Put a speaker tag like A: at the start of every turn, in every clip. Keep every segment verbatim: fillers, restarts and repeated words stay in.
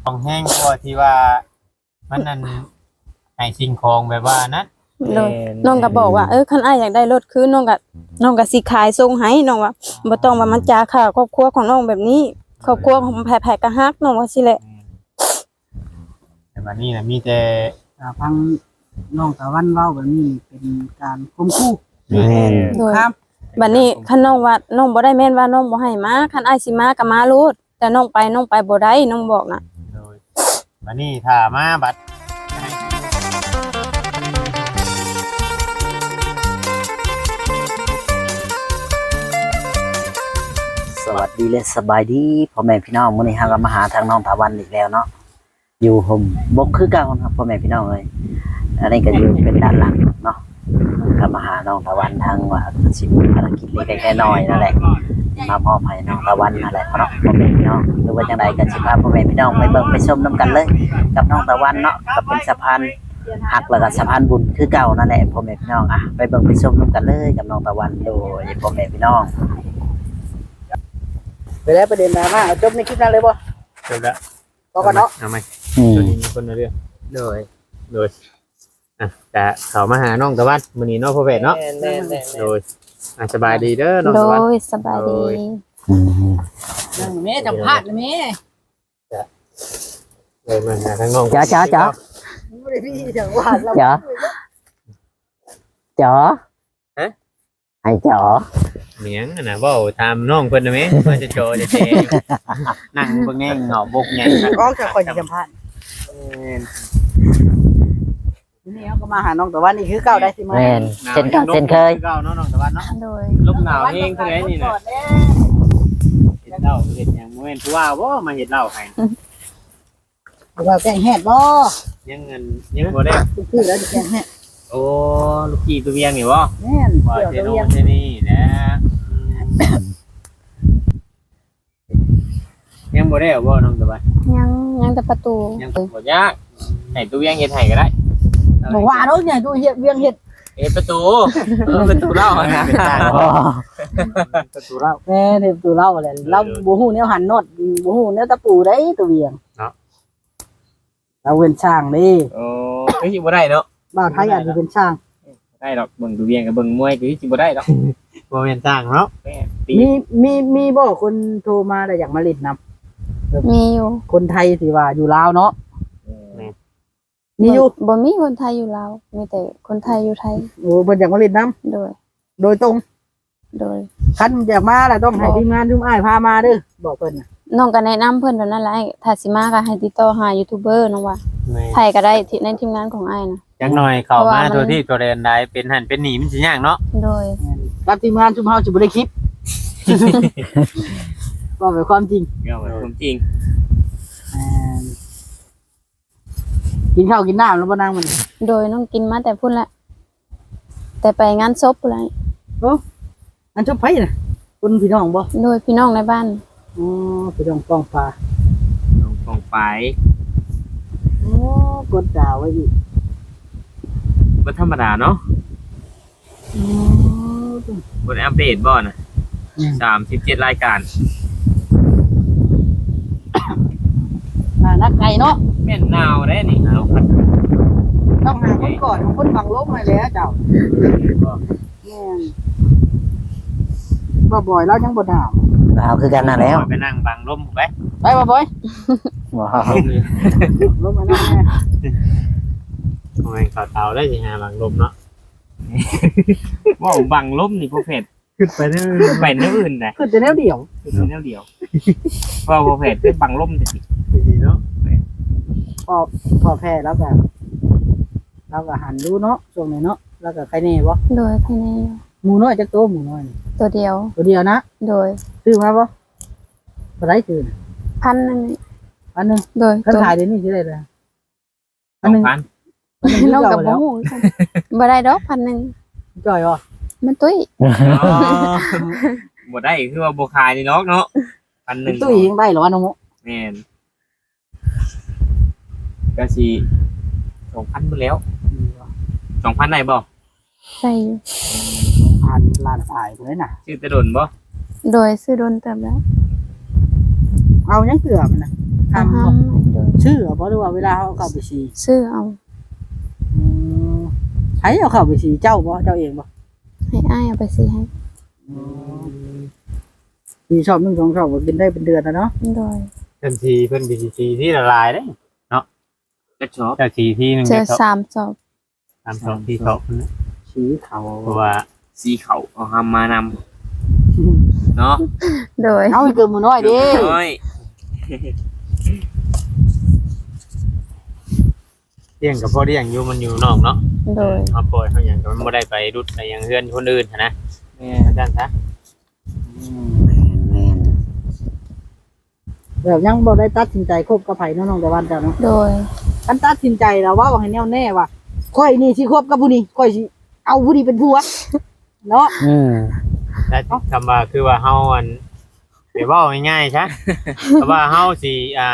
A: ของแห้งกว่าที่ว่ามันนั่นให้สิ่งของแบบว่านั้น
B: โดยน้องก็บอกว่าเออคันอ้ายอยากได้รถคือน้องก็น้องก็สิขายส่งให้น้องว่าบ่ต้องว่ามันจาค่าครอบครัวของน้องแบบนี้ครอบครัวของแผๆก็ฮักน้องว่าสิแหละ
A: แต่วันนี้นะมีแต่
C: ถ้าฟังน้องตะวันเว้าแบบนี้เป็นการข่มขู่
D: แม่น
B: โดย
C: ครับ
B: บัดนี้คันน้องว่าน้องบ่ได้แม่นว่าน้องบ่ให้มาคันอ้ายสิมาก็มาโลดแต่น้องไปน้องไปบ่ได้น้องบอกน่ะ
A: โดยวันนี้ถ้ามาบัด
D: สวัสดีและสบายดีพ่อแม่พี่น้องมื้อนี้เราก็มาหาทางน้องตะวันอีกแล้วเนาะอยู่ห่มบกคือเก่าครับพ่อแม่พี่น้องเอ้ยอันนี้ก็อยู่เป็นด้านหลังเนาะก็มาหาน้องตะวันทางว่าสิมีภารกิจเล็กๆน้อยๆนั่นแหละมามอบให้น้องตะวันนั่นแหละเนาะพ่อแม่พี่น้องหรือว่าจังใดก็สิพาพ่อแม่พี่น้องไปเบิ่งไปชมนํกันเลยกับน้องตะวันเนาะก็เป็นสะพานหักแล้วก็สะพานบุญคือเก่านั่นแหละพ่อแม่พี่น้องอ่ะไปเบิ่งไปชมนํกันเลยกับน้องตะวันโดยพ่อแม่พี่น้อง
C: ไปแล้วประเด็นดราม่าเอาจบในคลิปนั้นเลยบ่
A: จบแล้ว
C: พอกันเนาะ
A: เอาไหม
D: อืม
A: ตัวนี้มีคนมาเรื่องโดยโดยอ่ะแต่เขามาหาน้องตะวันมื้อนี้เนาะพ่อแพทย์เนาะ
C: แม่นๆ
A: โดยอ่ะสบายดีเด้อน้อง
B: โด
A: ตะวัน
B: ยสบายดี
D: อืม
C: ๆนั่งแม่จำพาดนะแม่
A: เลยมาหาทางน้อง
D: จ๋าจ๋าจ๋า
C: บ่ได้พี่จังหวัดเรา
D: จ๋าจ๋าให้จ๋า
A: เหมียงอะนะเว้าตามน้องเพิ่นนะแม่ว่าจะโจจะเจนั่งเบิ่งแง่งเหงาบกแง่ง
C: ก็จะคอยจำพาดนี่เขาก็มาหาน้องตะวันนี่คือเก่าได้สิมา
D: แม่นเช่นกันเช่นเคย
A: เก่าเนาะน้องตะวันเนาะ
B: โดย
A: ลมหนาวเองเท่าไหร่นี่นะเฮ็ดเหล้าเฮ็ดหยังบ่แม่นผู้ว่าบ่มาเฮ็ดเหล้าให้
C: เราแกงแหดบ่
A: ยังเงินยังบ่ได้
C: ทุกที่แล้วจะแกงแหด
A: โอ้ลูกพี่ตัวเวียงนี่บ่
C: แม่น
A: ว่า
C: เดี๋ยว
A: เท
C: ตะ
A: โน
C: เวียง
A: เทนี่นะยังบ่ได้เอาบ่น้องตะวัน
B: ยังยังแต่ประตู
A: ยังบ่ยากให้ตัวเวียงเฮ็ดให้ก็ได้
C: บอกว่าเนาะเนี่ยดูเฮ็ดเวียงเฮ็ด
A: เฮ็ดประตูเออประตูเหล้าอะนะเป็นต่าง
D: อ๋อ
A: ประตูเหล้า
C: แม่เฮ็ดตัวเราแหละเราบ่ฮู้แนวหันน็อตบ่ฮู้แนวตะปูได้ตัวเวียงเราเป็นช่างนี่
A: โอ้เฮ้ยบ่ได้เนาะ
C: บ่าวไทยอาจจะเป็นช่าง
A: ได้ดอกเบิ่งตัวเวียงกับเบิ่งมวยคือสิบ่ได้ดอกบ่แม่นต่างเนาะแม่ตี
C: มีมีมีบ่คนโทรมาแล้วอยากมาเล่นนำ
B: มีอยู่
C: คนไทยที่ว่าอยู่ลาวเนาะ
A: แม่
C: มีอยู่
B: บ่มีคนไทยอยู่ลาวมีแต่คนไทยอยู่ไทย
C: โอ้เพิ่นอยากมาเล่นน้
B: โดย
C: ำโดยตรง
B: โดย
C: คันอยากมาแล้วต้องให้ทีมงานทุกอ้ายพามาเด้อบอกเพิ่นน่ะ
B: น้องก็แนะนำเพิ่นเท่านั้นแหละถ้าสิมาก็ให้ติดต่อหายูทูบเบอร์น้องว่า
A: แม่
B: ไผก็ได้ที่ในทีมงานของอ้ายนะ
A: จังหน่อยเข้า
B: เพราะ
A: มา
B: ว่ามัน
A: ตัวที่ตัวเรียนได้เป็นหันเป็นหนีมันสิยากเนาะ
B: โดย
C: รับทีมงานชุมเฮาสิบ่ได้คลิป บอกเป็นความจริง
A: ก็เป็นความจริง
C: อ่ากินข้าวกินน้ำแล้วบ่นางมัน
B: โดยน้องกินมาแต่พุ่นแหละแต่ไปงานศพพุ่นแหละ
C: อันชอบไผน่ะคนพี่น้องบ่
B: โดยพี่น้องในบ้าน
C: อ๋อพี่น้องป้องฟ้า
A: น้องกองไป
C: โอ้กดดาวไว้อีก
A: บ่ธรรมดาเนาะ
C: อ๋อ
A: บ่ได้อัปเดตบ่น่ะสามสิบเจ็ดรายการ
C: น่านักไก่เนาะ
A: แม่นหนาวได้นี่หนาวคัก
C: ต้องหาคนก่อนคนบังลบมาแล้วเจ้า
A: บ่
C: แม่นบ่บ่อยแล้วยังบ่ถาม
D: เอาคือกันนั่นแล้ว
A: ไปนั่งบังลมไป
C: ไปบ่บ่อย
D: ว้าว
A: ลมเลย
C: ลบมานั่งแม่
A: โอ้ยข่าวเตาได้สิหาบังลมเนาะว้าวบังลมนี่พวกเพจขึ้นไปเรื่อยไปเรื่อยอื่นได้
C: คือจะแนวเดียว
A: ขึ้นไปแนวเดียวเพราะพวกเพจเป็นบังลมจะสิดีเนาะ
C: พอพอแพ้แล้วก็แล้วก็หันดูเนาะช่วงนี้เนาะแล้วก็ใครแน่บ่
B: โดยภายใน
C: หมูน้อยจักโตหมูน้อยนี่
B: ตัวเดียว
C: ตัวเดียวนะ
B: โดย
C: ซื้อมาบ่บ่ได้ซื้อน่ะ
B: พันนั่นนี่
C: อันหนึง
B: โดย
C: คัน
B: ตัว
C: ขายเดี๋ยวนี้สิได้เลย
A: ส
C: อัน
A: อ
C: หนึ
A: ง
C: ง
A: พัน
C: อันหนึง
B: น้อง
C: เก่า
B: กับ
C: แล้
B: บ่
C: ว
B: ฮู้บ่ได้ดอกพันหนึง
C: จ่อยบ่
B: มันตุ้ย
A: อ๋อบ่ได้คือว่าบ่ขายนี่เนาะเนาะพันหนึ่ง
C: ตุ้ยยังได้เหรอวะน้องโม
A: แม่นก็สิสองพันไปแล้วสองพันได้บ่
B: ใส่อยู่
C: ผ่านลานตายเลยน่ะ
A: ชื่อตะดนบ่
B: โดยซื้อโดนเติมแล้ว
C: เอายังเกลือมันน่ะทำ
B: ห้า
C: บ่
B: มโดย
C: ชื่อเอาบ่หรือว่าเวลาเขาเอาเข้าไปสี
B: ซื้อเอา
C: อืมใช้เอาเข้าไปสีเจ้าบ่เจ้าเองบ่
B: ให้อ้ายเอาไปสิให้
C: สีชอบหนึ่งสองชอบก็กินได้เป็นเดือนแล้วเนาะ
B: โดย
A: เพิ่นทีเพิ่นบีซีที่ละลายเด้เนาะ
E: ก็ชอบ
A: เจ้าทีที่หนึง
B: เจอ
A: เจ้า
B: สามจบ
A: ตามสองที่สองนะ
C: สีเขา
A: เพราะว่า
E: สีเขาเอาหามานำเนาะ
B: โดย
C: เอาให้เกินมือน้อยเดิ
E: น้อย
A: เลี้ยงกับพ่อเลี้ยงอยู่มันอยู่นอกเนาะ
B: โดย
A: เอาปล่อยเขาอย่างก็มันบ่ได้ไปรุดไปอยังเฮือนคนอื่นหั้นนะ
E: แม่
A: อาจารย์ซะ
D: แม่น
C: แบบยังบ่ได้ตัดสินใจคบกับไผเนาะน้องตะวันเจ้าเนาะ
B: โดย
C: กันตัดสินใจแล้วว่าให้แน่วแน่ว่าค่อยนี่สิคบกับผู้นี้ค่อยสิเอาผู้นี้เป็นผัวเนาะ
D: อืม
A: แต่คำว่าคือว่าเฮาอันเดี๋ยวเว้าง่ายๆซะ แต่ว่าเฮาสิอ่า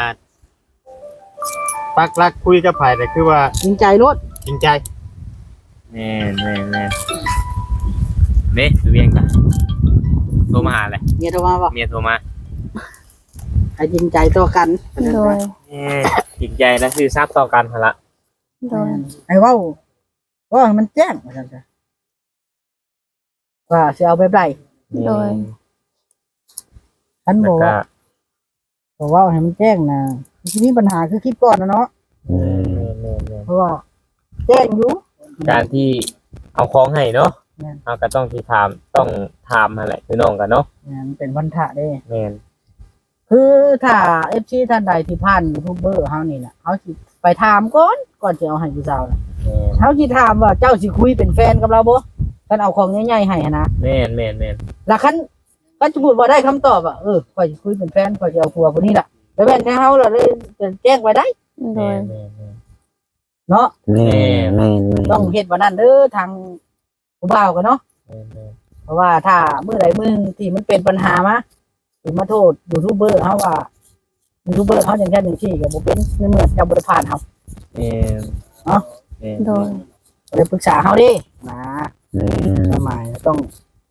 A: ปักหลักคุยกับไผแต่คือว่า
C: จริงใจรถ
A: จริงใจ
E: แม่แม่แม่เด้ดูเวียงกันโทรมาหาเลย
C: เมียโทรมาบอก
E: เมียโทรมา
C: ให้จริงใจต่อกัน
B: โดย
E: แม่จริงใจและคือทราบต่อกันหั่นละ
B: โดย
C: ให้เว้าว่าให้มันแจ้งว่าซั่นจ้ะว่าสิเอาแบบใด
B: โดย
C: ฉัน
E: แล้
C: บ
E: ว
C: อก
E: ก็
C: ว่าบอกว่าให้มันแจ้งนะทีนี้ปัญหาคือคลิปก่อนนะเนาะ
D: อืม
E: แม่แม่แม่
C: เพราะว่าแจ้งอยู่
E: การที่เอาของให้เนาะ
C: แม่น
E: เราก็ต้องที่ถามต้องถามอะไรคือน้องกันเนาะ
C: เนี่ยมันเป็นพันธะเด้
E: แม่น
C: คือถ้า เอฟ ซี ท่านใดที่ผ่านยูทูบเบอร์เฮานี่น่ะเฮาสิไปถามก่อนก่อนจะเอาให้ผู้สาวน่ะ
E: แม่น
C: เฮาสิถามว่าเจ้าสิคุยเป็นแฟนกับเราบ่คันเอาของใหญ่ๆให้หั้นนะ
E: แม่นแม่นแม่น
C: แล้วคันก็สมมุติว่าได้คำตอบอ่ะเออข่อยสิคุยเป็นแฟนข่อยจะเอาผัวคนนี้ล่ะแล้วแม่นแค่เฮาล่ะเลยจะแจ้งไว้ได้
B: โด
E: แม่
B: ย
E: นแม่นแม่น
C: เนาะ
D: แม่นแม่นแม่น
C: ต้องเฮ็ดว่านั้นเด้อทางผู้บ่าวกันเนาะ
E: แม่นแม่น
C: เพราะว่าถ้ามื้อใดมื้อหนึ่งที่มันเป็นปัญหามาสิมาโทษยูทูบเบอร์เฮาว่ายูทูบเบอร์เฮาอย่างแค่หนึ่งที่ก็บ่เป็นในเมื่อเจ้าบ่ได้ผ่านเฮา
E: แม่น
C: เนาะ
E: แม่น
B: โดย
C: ก็เลยปรึกษาเฮาเดินะ
D: แม่น
C: สมัยต้อง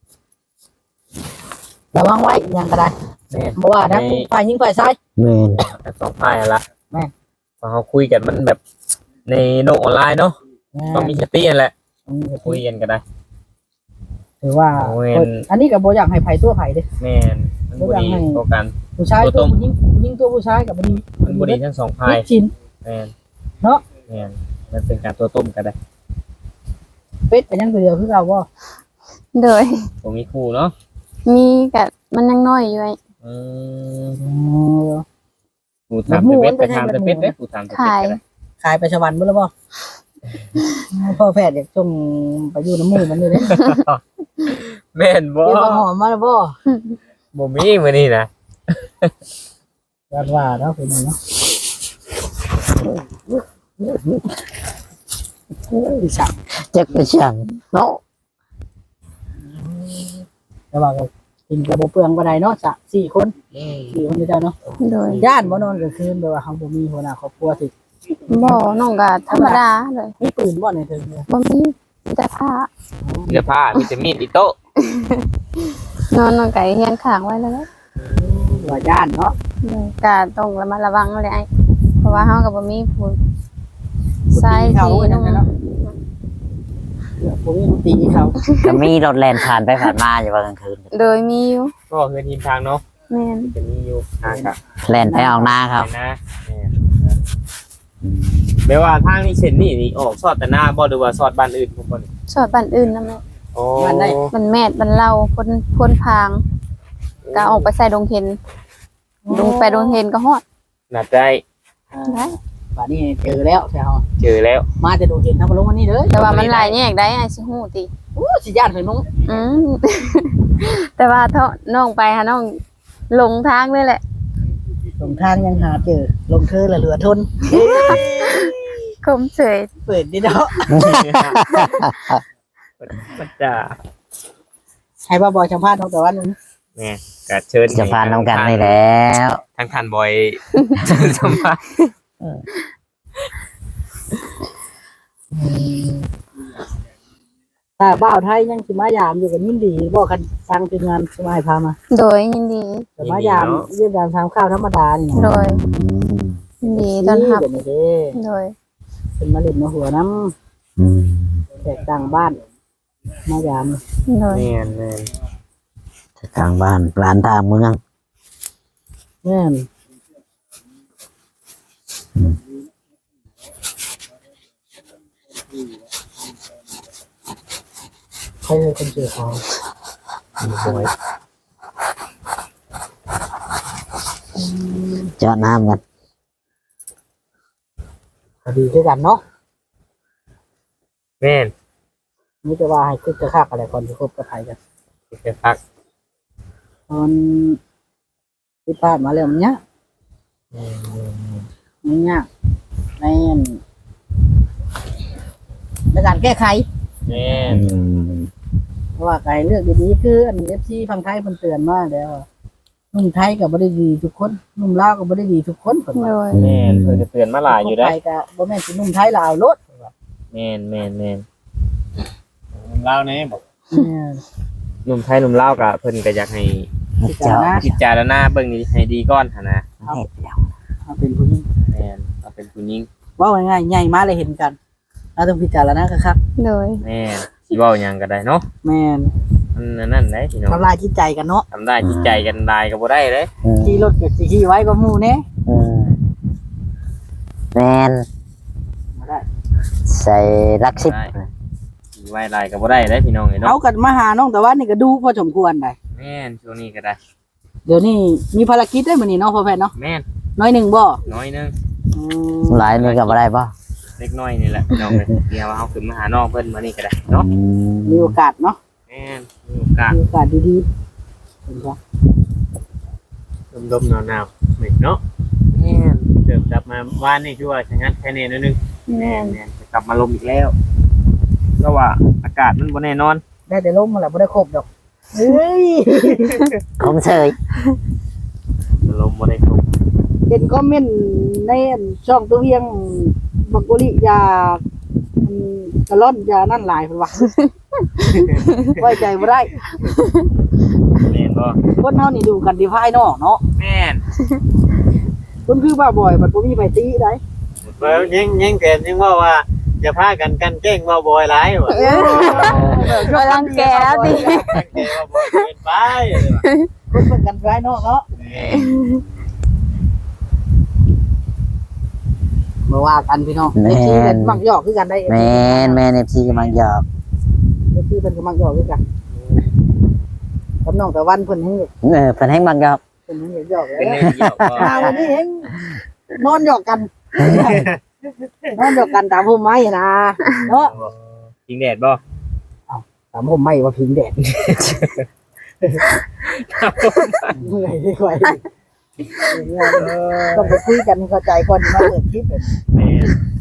C: ระวังไว้อยังก็ได้
E: แม่น
C: เพราะว่าทั้งฝ่ายหญิงฝ่ายชาย
D: แม่น
E: แต่สองฝ่ายนั่นละ
C: แม่น
E: พอเขาคุยกันมันแบบในโลกออนไลน์เนาะต้องมีสตินั่นแหละคุยกันก็ได้
C: ถือว่า
E: โอ้ย
C: อันนี้ก็บ่อยากให้ไผตัวไผเด้
E: แม่นมันบ่ดีต่อกัน
C: ผู้ชาย
E: ตั
C: ตัว ว
E: ต้ม
C: ผู้หญิงผู้หญิงตัวผู้ชายก็บ่ดี
E: มันบ่ดีทั้งสองฝ่าย
C: ผิดชิน
E: แม่น
C: เนาะ
E: แม่นมันเป็นการตัวต้มก็ได้
C: เป็ดก็ยังตัวเดียวคือเราบ่
B: โดย
E: ผมมีคู่เนาะ
B: มีกะมันยังน้อยอยู่ไอ้
E: อืม
C: อ๋อ
E: ผู้ถามแต่เป็ดไปถามแต่เป็ดเด้ผู้ถามแต่เป็ด
B: ขาย
E: ก็ได้
C: ขายไปสวรรค์บ่แล้วบ่พ่อแพทย์อยากส่งไปอยู่น้ำหมู่มันอยู่เด้
E: แม่นบ่
C: เดี๋ยวมาหอมมาแล้วบ่
E: บ่มีมื้อนี้นะ
C: ว่าว่าเนาะเป็นไงเนาะอีสัก
D: จักไปช่างเนาะ
C: แต่ว่าก็กินกระบ่เปลืองบ่ได้เนาะสะสี่คนสี่คนนี่ได้เนาะ
B: โดย
C: ย่านบ่นอนกลางคืนแบบว่าเฮาบ่มีหัวหน้าครอบครัวสิ
B: บ่น้องก็ธรรมดาเลย
C: มีปืนบ่ในเทิงเนี่ย
B: บ่มีมีแต่ผ้า
E: มีแต่ผ้ามีแต่มีดอีโต๊ะ
B: นอนน้องก็เฮียนข้างไว้แล้วแหละ
C: ว่าย่านเนาะ
B: โดยก็ต้องระมัดระวังเลยไอ้เพราะว่าเฮาก็บ่มีผู้ชาย
C: เขา
B: ที่
C: นั่
B: นุ่
C: น
B: ม
C: เนาะผมมีตีเขา
D: ก็มีรถแล่นผ่านไปผ่านมาอยู่ว่ากลางคืน
B: โดยมีอยู่
E: ก็คือทีมทางเนาะ
B: แม่น
E: จะมีอยู่ทางกะ
D: แล่นไปออกหน้าครับ
E: เห็นนะแม่นแปลว่าทางนี้เช่นนี่นี่ออกซอดแต่หน้าบ่หรือว่าซอดบ้านอื่นพวกบ่นี่
B: สอดบ้านอื่นนำแม่
E: โอ้
B: มันแม่ดมันเล่าพ้นพ้นพางก็ออกไปใส่ดงเห็นดงไปดงเห็นก็ฮอด
E: น่าใจ
B: ได้
C: ป่านนี้เจอแล้วแถว
E: เจอแล้ว
C: มาจะดูเห็นทำมาลงวันนี้เด้อ
B: แต่ว่ามันหลายแยกได้ไอ้สิฮู้ติ
C: โอ้สิญาติเคยน้อง
B: อืม แต่ว่าเท่าน้องไปหาน้องหลงทางเลยแหละ
C: ลงทางยังหาเจอลงเธอละเหลือทน
B: คมเฉย
C: เปิดดิเนาะ
E: มันจะ
C: ให้บ่าบอยสัมภาษณ์น้องแต่วันนึง
E: แม่ก็เชิญ
D: จะผ่านน้ำกันนี่แล้ว
E: ทางทันบอยเชิญสัมภาษณ์
C: ถ้าบ่าวไทยยังสิมายามอยู่กันยินดีบ่คันทางทีมงานสมัยพามา
B: โดยยินดี
C: แต่มายามเยี่ยมยามทำข้าวธรรมดานี่
B: โดย
D: อืม
B: ต้อนรับ
C: แบบนี้เด้
B: โดย
C: เป็นมาเล่นมาหัวน้
D: อืม
C: ำแตกต่างบ้านมายาม
B: โดย
E: แม่นแม่น
D: ทางบ้านร้านทางเมือง
C: แม่นใครเป็นคนเจอเขา
E: สวย
D: เจาะน้ำกัน
C: ก็ดีด้วยกันเนาะ
E: แม่น
C: นี่จะว่าให้คึกกระคักอะไรก่อนที่คบกับใครกัน
E: แค่พัก
C: ตอนที่ผ่านมาแล้วมันเนี้ยมันเนี้ยในในการแก้ไข
E: แม่น
D: อืม
C: เพราะว่าการเลือกดีๆคืออันเอฟซีฟังไทยมันเตือนมาแล้วว่าหนุ่มไทยก็บ่ได้ดีทุกคนหนุ่มลาวก็บ่ได้ดีทุกคนเพิ่น
B: โด
C: ว่า
B: ย
E: แม่นเพิ่นจะเตือนมาหลายอยู่ได้
C: คบไปก็บ่แม่นสิหนุ่มไทยลาวโลด
E: แม่นแม่นแม่น
A: เล่าแน่บอก
C: เออ
E: หนุ่มไทยหนุ่มลาวก็เพิ่นก็อยากให้
D: เจาะ
E: พิจารณาเบิ่งนี้ให้ดีก่อนหั่นนะ
D: เฮ็ดแล้ว
C: เอาเป็นผู้หญิง
E: แม่นเอาเป็นผู้หญิง
C: เว่าง่ายๆใหญ่มาเลยเห็นกันเราต้องพิจารณาคัก
B: โดย
E: แม่นสิเว้าหยังก็ได้เนาะ
C: ๆแม่น
E: มันนั่นได้พี่น้อง
C: ทำลายจิตใจกันเนาะ
E: ทำได้จิตใจกันได้ก็บ่ได้เลย
D: อืม
C: ขี่รถกับสิขี่ไว้ก็หมู่แน่
D: อืมแมน
C: บ่ได้
D: ใส่รักสิบ
E: สิไว้หลายก็บ่ได้เลยพี่น้องเอ้ย
C: เอา
E: เนาะ
C: กันมาหาน้องแต่ว่านี่ก็ดูพอสมควรได้
E: แม่นช่วงนี้ก็ได้
C: เดี๋ยวนี้มีภารกิจได้มื้อนี้เนาะพ่อแพทย์เนาะ
E: แม่น
C: น้อยหนึ่งบ่
E: น้อยนึง
C: อืม
D: หลายนี่ก็บ่ได้ป่ะ
E: เล็กน้อยนี่แหละพี่น้องเอ้ยเดี๋ยวเอาขึ้นมาหาน้องเพิ่นมานี่ก็ได้เนาะ
C: มีโอกาสเนาะ
E: แม่นมีโอกาส
C: มีโอกาสดีๆเห็นปะ
A: ดมๆหนาวๆนี่เนาะ
E: แม่น
A: เดิมกลับมาบ้านนี่คือว่าชะงัดแค่นี้นิดนึง
B: แม่น
E: แม่นจะกลับมาลมอีกแล้วเพราะว่าอากาศมันบ่แน่นอน
C: ได้แต่ล้มมาแหละบ่ได้ครบดอกเฮ้ย
D: คงเชย
E: ลมบ่ได้ครบ
C: เห็นคอมเมนต์ในช่องตัวเวียงบักกุลิยาอืมกะล่อนยานั่นหลายเพิ่นว่า ไว้ใจบ่ได้
E: แม่นบ่
C: คนเฮานี่ดูกันที่ภายนอกเนาะ
E: แม่น
C: คนคือบ้าบ่อยมันบ่มีไผตีได้
A: เบิ่งยังยังแต่ยังว่าว่าจะพากันกันแกล้งว่าบอยหลายว่ะ
B: เออกำลังแก่แล้วดิ
A: กันแกล้งว่าบอยเกินไป
C: คนเพิ่นกันภายนอกเนาะบ่ว่ากันพี่น้อง
D: แม
C: เอฟซีเพิ่
D: น
C: นมักหยอกคือกันได้
D: แมนแมนเอฟซีกำลังหยอก
C: เอฟซีเพิ่นก็มักหยอกคือกันกับน้องตะวันเพิ่นให้
D: เออเพิ่นให้มักหยอก
C: เพิ่นให้หยอกแล้ว
E: เป็นแนวเกี่ยวก็
C: มาวันนี้เองนอนหยอกกัน นอนหยอกกันตามผมไม้นะเนาะ
E: จริงแดดบ่
C: ตามผมไม้ว่าพิงแดดเมื่อยดีกว่าต้องไปคุยกันเข้าใจก่อนมาเปิดคลิปแบบ
A: แม่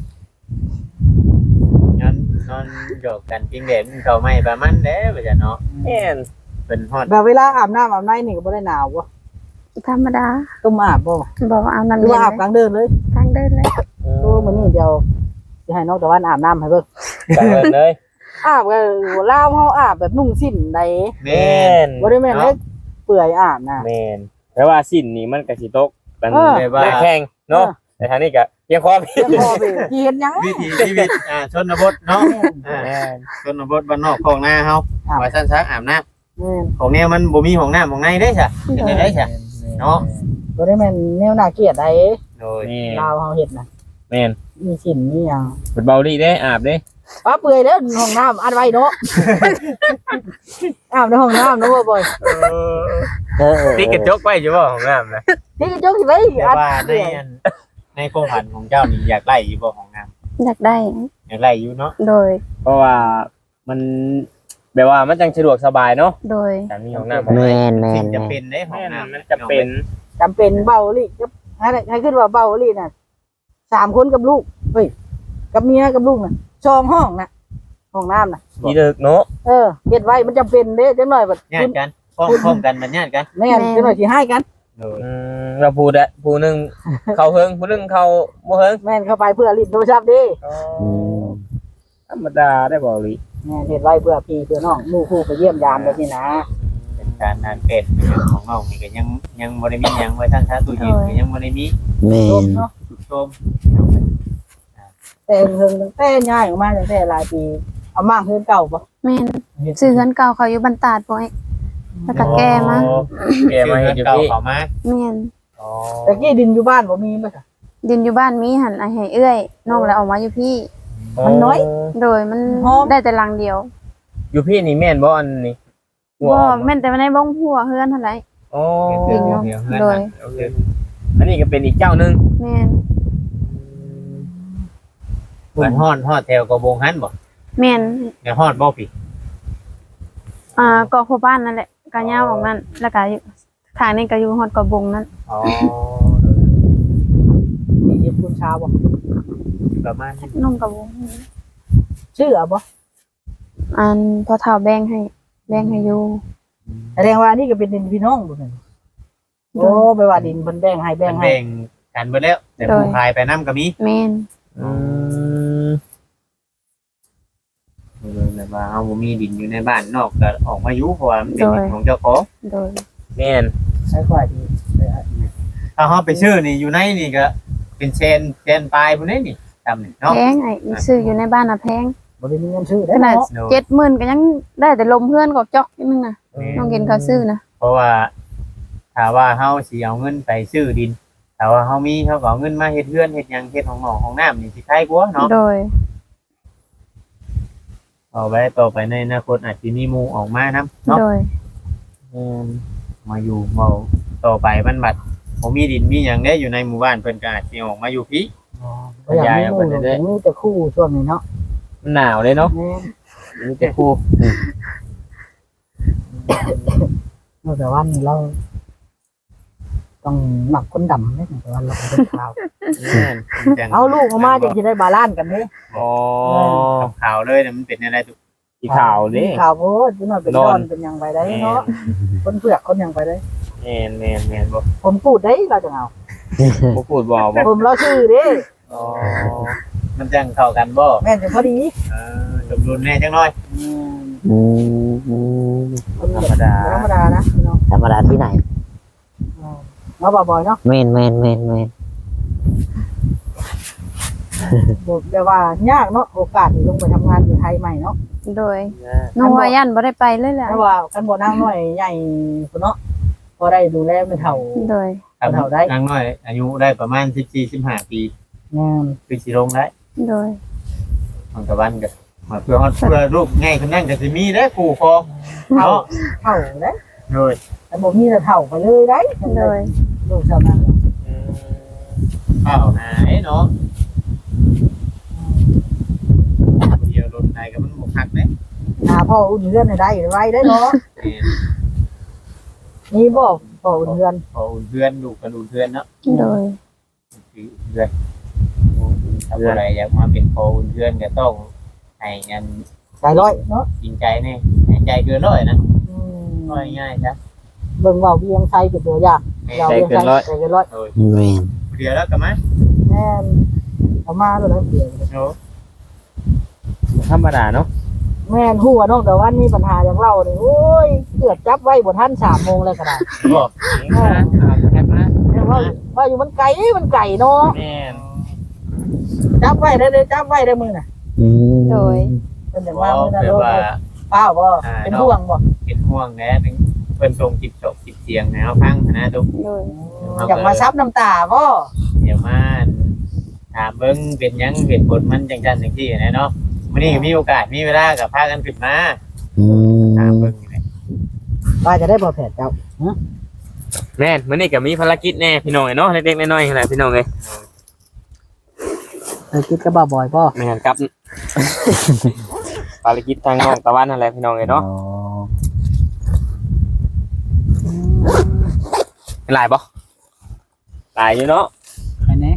A: นอนนอนโยกกันจริงเด่นเขาไม่ประมาณเด้อว่าจะเนาะ
E: แม่น
A: เป็นฮอด
C: แบบเวลาอาบน้ำอาบในนี่ก็บ่ได้หนาววะ
B: ธรรมดา
C: ต้องมาอาบบ่
B: บอกว่าเอาน้ำ
C: หรือ
B: เย็
C: ว่าน อาบกลางเดินเลย
B: ทางเดินเลย
C: โอ้มื้อนี้เดี๋ยวจะให้น้องตะวันอาบน้ำให้เบิ่ง
E: จังเลย
C: อาบก็ลาวเฮาอาบแบบนุ่งสิ้นใด
A: แม่
E: แม่
A: น
E: น
C: บ่ได้แม่นเล็กเปื่อยอาบนะ
E: แม่นแต่ว่าสิ้นนี่มันก็สิตกกัน
C: เออ
E: แบบว่าแข่งเนาะแต่ทางนี้ก็เพียงพอพี่
C: เดี๋ยวพอไปที่เห็นหยัง
A: วิถีชีวิตอ่าชนบทเนาะอ่า
E: แม่น
A: ชนบทบ้านนอกของหน้าเฮาว่าซั่นซักอาบน้ำ
C: แม่น
A: ของแนวมันบ่มีของน้ำของในเด้จ้ะเป็นได้จ้ะเนาะ
C: บ่ได้แม่นแนวน่าเกลียดใด
A: โดย
E: แม่น
C: ลาวเฮาเฮ็ดน่ะ
E: แม่น
C: มีสิ้นมีหยัง
E: เป็นเบาดีเด้อาบเด้
C: ป้าเปื่อยแล้วห้องน้ำอัดไว้เนาะ อาบในห้องน้ำเนาะบ่บ่อย
E: เออ
D: เออเออ
E: ติดกระจกไว้อยู่บ่ของน้ำนะ
C: นี่ก็จกสิไว้
A: แต่
C: อัด
A: ว่าในอันในโครงผันของเจ้านี่อยากไล่อยู่บ่ของน้ำ
B: อยากได้
A: อยากไล่อยู่เนาะ
B: โดย
E: เพราะว่ามันแบบว่ามันจังสะดวกสบายเนาะ
B: โดย
E: การมีของน้ำ
D: แมนแม
A: สิ่
D: น
A: ง
D: แม
A: จะ
D: น
A: เป็นได้ของ
E: แม่น
A: น้ำ
E: มันจะเป็น
C: จำเป็นเบาอีหลีกับให้ให้ขึ้นว่าเบาอีหลีน่ะสามคนกับลูกเฮ้ยกับเมียกับลูกน่ะช่องห้องน่ะห้องน้ำน่ะ
E: ที่เลิกเนาะ
C: เออเฮ็ดไว้มันจำเป็นเด้จังหน่อยบัด
A: ญาติกันพ้องพ้องกันมันญาติกัน
C: แม่นจังหน่อยสิให้กัน
A: โดย
E: อืมเราพูดอะผู้หนึงเข้าเฮิงผู้หนึงเข้าบ่เฮิง
C: แม่นเข้าไปเพื่อลิ้นโทรศัพท์เดิ
D: อืม
E: ธรรมดาได้บ่ลิ
C: แม่นเฮ็ดไว้เพื่อพี่เพื่อน้องหมู่คู่ไปเยี่ยมยามแบบนี้นะ
A: เป็นการนานเป็ดของน้องนี่ก็ยังยังบ่ได้มีหยังไว้ทางชาตู้เย็นก็ยังบ่ได้มี
D: แม
C: ล
D: น
C: มเนาะ
E: ชม
C: แต่เฮิงตั้งแต่ย้ายออกมาตั้งแต่หลายปีเอามากเฮือนเก่าบ่
B: แม่นซื้อเฮือนเก่าเขาอยู่บรรตาดบ่ไอ้แล้วก็แก้มา
E: แกมาเฮ็ดอยู่
A: เก่า
E: พี่
A: เขามา
B: แม่น
A: อ๋อ
C: แต่กี้ดินอยู่บ้านบ่มีบ่จ้ะ
B: ดินอยู่บ้านมีหันไอ้ให้เอื้อยน้องแล้วออกมาอยู่พี่
C: มันน้อย
B: โดยมัน
C: หอม
B: ได้แต่หลังเดียว
E: อยู่พี่นี่แม่นบ่อันนี้หัว
B: บ่
E: ออก
B: แม่นแต่ว่าในบ้องหัวเฮือนเท่าไหร่
E: อ๋อ
B: ดินเนาะโดย
E: โอเคอันนี้ก็เป็นอีกเจ้าหนึง
B: แม่น
A: เหมือนฮอดฮอดแถวกระบงหันบ่
B: แม่น
A: แนวฮอดบ่พี่
B: อ่าเกาะโคบ้านนั่นแหละกะยาวออกนั่นแล้วก็อยู่ทางนี้ก็อยู่ฮอดเกาะบงนั่น
A: อ๋อ
C: มีเฮ็ดคุณชาวบ่
A: ประมาณนี้
B: น้องเกาะบง
C: ชื่อเอาบ่
B: อันพอเฒ่าแบ่งให้แบ่งให้อยู่
C: แสดงว่านี่ก็เป็นดินพี่น้องบ่นั่นโอ้แปลว่าดินเพิ่นแบ่งให้แบ่
A: มั
C: ง
A: น
C: ให้
A: แบ่งกันเบิดแล้ว แต่ผู้พายไปนํก็มี
B: แม่น
E: อืม
A: เลยแบบว่าเฮาบ่มีดินอยู่ในบ้านนอกก็ออกมาอยู่เพราะว่ามันเป็นดินของเจ้าของ
B: โดย
E: แม่น
C: ใช้ควายดี
A: ถ้าเฮาไปซื้อนี่อยู่ในนี่ก็เป็นเชนเชนปลายพุ่นนี่นี่จำนี่เนาะ
B: แพงไอ้ซื้ออยู่ในบ้านน่ะแพง
C: บ่ได้มีเงินซื้อ
B: ข
C: ได้
B: นาด
C: เนาะ
A: เนาะ
B: เจ็ดหมื่นก็ยังได้แต่ลมเพื่อนกับจอกนิดนึงน่ะน้องเห็นเขาซื้อนะ
A: เพราะว่าถ้าว่าเฮาสิเอาเงินไปซื้อดินถ้าว่าเฮามีเฮาก็เอาเงินมาเฮ็ดเรือนเฮ็ดหยังเฮ็ดของหนองของน้ำนี่สิใครกว่าเนาะ
B: โดย
A: เอาไว้ต่อไปในอนาคตอาจสิมีหมู่ออกมานํเนาะ
B: โดย
A: อืมมาอยู่เมาต่อไปมันบัดบ่มีดินมีหยังได้อยู่ในหมู่บ้านเพิ่นก็อาจสิออกมาอยู่พี่
C: บ่อยากมีหมู่หรอกมีแต่คู่ช่วงนี้เนาะ
E: มันหนาวเลยเนาะ
C: แม่น
E: มีแต่ครู
C: เมื่อแต่วันนี้เรา ต้องหมักคนดำเนี่ยแต่วันเราเป็นขาว
A: จัง
C: เอาลูกออกมาจะได้บาลานซ์กันนี่
E: อ๋อ
A: กับข่าวเลยน่ะมันเป็นอะไรตุ
E: อีขาวเด้
C: ขาวโพดจุน่อยเป็นดอนเป็นหยังไปได้เนาะคนเปลือกคนหยังไปได้
E: แม่นแม่นแม่นบ่
C: ผมพูดได้เราจะเอา
E: บ่พูดบ่บ่
C: ผมเราชื่อเด้
A: อ๋อมันจังเข้ากันบ่
C: แม่นจะพอดี
A: เออสมดุลแน่จังน้อย
C: อืม
D: อืมอืม
C: คนธรรมดาธรรมดานะเนาะ
D: ธรรมดาที่ไหน
C: เนาะบ่อยๆเนาะ
D: แม่นแม่นแม่นแม่น
C: บอกแต่ว่ายากเนาะโอกาสที่ลงไปทำงานอยู่ไทยใหม่เนาะ
B: โดยน้องวายันบ่ได้ไปเลยแหละ
C: เพราะว่ากันบ่นั่งน้อยใหญ่พุ่นเนาะพอได้ดูแลไม่เท่า
B: โดย
A: ครับ
C: เท่าได้
A: นางน้อย อายุได้ประมาณสิบสี่ สิบห้าปี
C: งาน
A: คือสิลงได้
B: โดย
A: มันตะวันก็มาเพื่อฮอดเพื่อลูกง่ายคนนั้นก็สิมีเด้อคู่ครอง
C: เท่า
A: เนาะ
C: เท่าได้
A: โดย
C: แต่บ่มีแต่เท่าไปเลยได้
B: โดย
C: ลูกชาวนา
A: อืมข้าวหายเนาะเดียวรถไหนก็มันบ่คักเด้
C: หาพ่ออุ่นเรือนให้ได้ไว้ได้เนาะ
A: แม่น
C: นี่บ่พ่ออุ่นเรือน
A: พออุ่นเพื่อนลูกกันอุ่นเพื่อนเนาะ
B: โดย
A: คืออุ่นเพื่อนถ้าอะไรอยากมาเป็นพออุ่นเพื่อนก็ต้องให้เงิน
C: ใจร้อยเนาะ
A: จริงใจแน่ให้ใจเกินร้อยนะ
C: อืม
A: ร้อยง่ายจ้ะ
C: เบิ่งเว้าเวียงไทยเป็นตัวอย่างเราเวียงไทยใจเกินร้อย
A: โดย
D: แม่น
A: เดี๋ยวแล้วกันมั้ย
C: แม่นเอามาแล้วนะเดี๋ยว
A: โอ้
E: ธรรมดาเนาะ
C: แม่นฮู้ว่าน้องแต่ว่ามีปัญหาอย่างเรานี่โอ้ยเกือบจับไว้บ่ทันสามโมงเลยก็ได้
A: บอก
E: มาเอาแคปมา
C: แต่ว่าว่าอยู่มันไกลมันไกลเนาะ
E: แม่น
C: จับไว้ได้เลยจับไว้ได้มือน่ะ
D: อืม
B: โดย
C: เป็นอย่าง
A: บ
C: ว่า
A: อก
C: มือน่ะ
A: แบบ
C: โลด
A: ว่า
C: เป้าบ่เป็นห่วงบ่
A: เป็นห่วงแน่นึงเพิ่นส่งจิบจบจิบเสียงแนวพังนะทุก
B: โดย
C: อยากมาซับน้ำตาบ่
A: เดี๋ยวมาถามเบิ่งเป็นหยังเป็นผลมันจังซั่นจังซี่นะเนาะมื้อนี้ก็มีโอกาสมีเวลาก็พากันขึ้นมา
D: อื
A: ถาม
D: ม
A: เบิ่งนี่แหละ
C: ว่าจะได้บ่แผดเจ้า
E: แม่นมื้อนี้ก็มีภารกิจแน่พี่น้องเอ้ยเนาะเล็กๆน้อยๆนั่นแหละพี่น้องเอ้ย
C: เคยคิดกับบ่บ่อยบ่
E: แม่นครับ ภารกิจทางน้องตะวันนั่นแหละพี่น้องเอ้ยเนาะ
D: อ๋อ
E: หลายบ่หลายอยู่เนาะ
C: อันนี้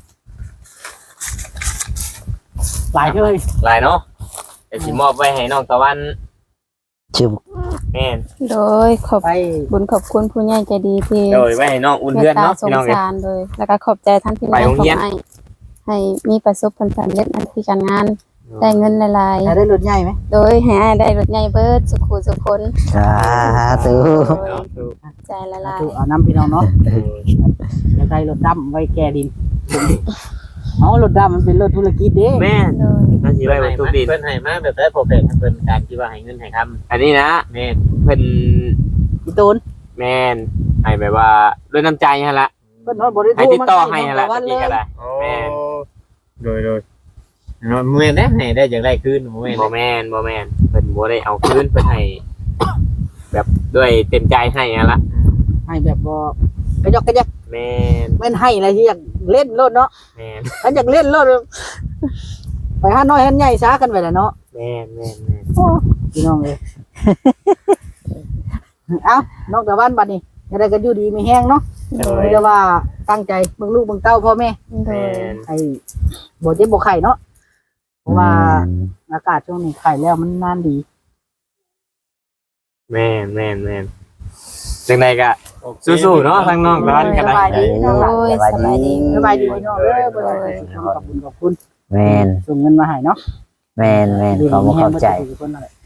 C: หลายเลย
E: หลายเนาะเดี๋ยวสิมอบไว้ให้น้องตะวัน
D: ชื่อ
E: แม่น
B: โดยขอบ
C: ไป
B: บุญขอบคุณผู้ใหญ่ใจดีที่
E: โดยไว้ให้น้องอุ่น
B: เม
E: เพื่อ
B: ต
E: น
B: ตา
E: เนาะ
B: สง
E: พี่น้องเอ้ย
B: สารโดยแล้วก็ขอบใจท่านพี่น้
E: ไป
B: อง
E: โรงเรียน
B: ให้ให้มีประสบผลสำเร็จในที่การงานได้เงินหลาย
C: ได้รถใหญ่ไหม
B: ๆโดยให้อ้ายได้รถใหญ่เบิดสุขุสุขคน
D: สาธุ
B: ใจละลาย
C: ถูกเอาน้ำพี่น้องเนาะจะได้รถดำไว้แก่ดิน
B: โ
C: เอารถดำมันเป็นรถธุรกิจเด้
A: แม่น
B: โดย
A: น่าสิไว้บนตู้ดิน
E: เพิ่นให้มาแบบได้โปรเฟสเพิ่นการที่ว่าให้เงินให้คำ
A: อันนี้นะ
E: แม่น
A: เพิ่น
C: อีโตน
A: แม่นให้แบบว่าด้วยน้ำใจหั่นละ
C: เพิ่นฮอดบ่ได้โทร
A: ให้ติดต่อ
C: มา
A: ให้
C: ใส่
A: หั่น
C: น้
A: ละ
C: องตะวัน
A: ตะกี้ก็
C: เลย
A: ได้ แม่น
E: โดยโดยเนาะเมื่อได้ให้ได้จากได้คืนบ่แม่น
A: บ่แม่นบ่แม่นเพิ่นบ่ได้เอาคืนเพิ่นให้แบบด้วยเต็มใจให้หั่นละ
C: ให้แบบบ่กระยอกกระยัก
A: แม่น
C: แม่นให้อะไรที่อยากเล่นรถเนาะ
A: แม่น
C: ถ้าอยากเล่นรถไปหาน้อยหาใหญ่ซากันไปแหละเนาะ
A: แม่นแม่นแม่น
C: โอ้พี่น้องเอ้ย เอ้าน้องตะวันบัดนี้จะได้กันอยู่ดีมีแห้งเนาะ
B: โดย
C: เรียกว่าตั้งใจเบิ่งลูกเบิ่งเต้าพ่อแม่
B: โดย
A: แม่น
C: ไอ้บ่เจ็บบ่ไข้เนาะเพราะว่าอากาศช่วงนี้ไข้แล้วมันนานดี
A: แม่นแม่นแม่นจังไดก็สู้ๆเนาะทางน้องร้านก็
C: ส
A: ได้
C: บายดีน้องหลาน
B: โอ้ยสบายดี
C: สบายดีพี่น้องเด้อบ่ได้ขอบคุณขอบคุณ
D: แม่น
C: ส่งเงินมาให้เนาะ
D: แม่นแม่นเขาบ่เข้าใจ
C: คนนั่นแหละ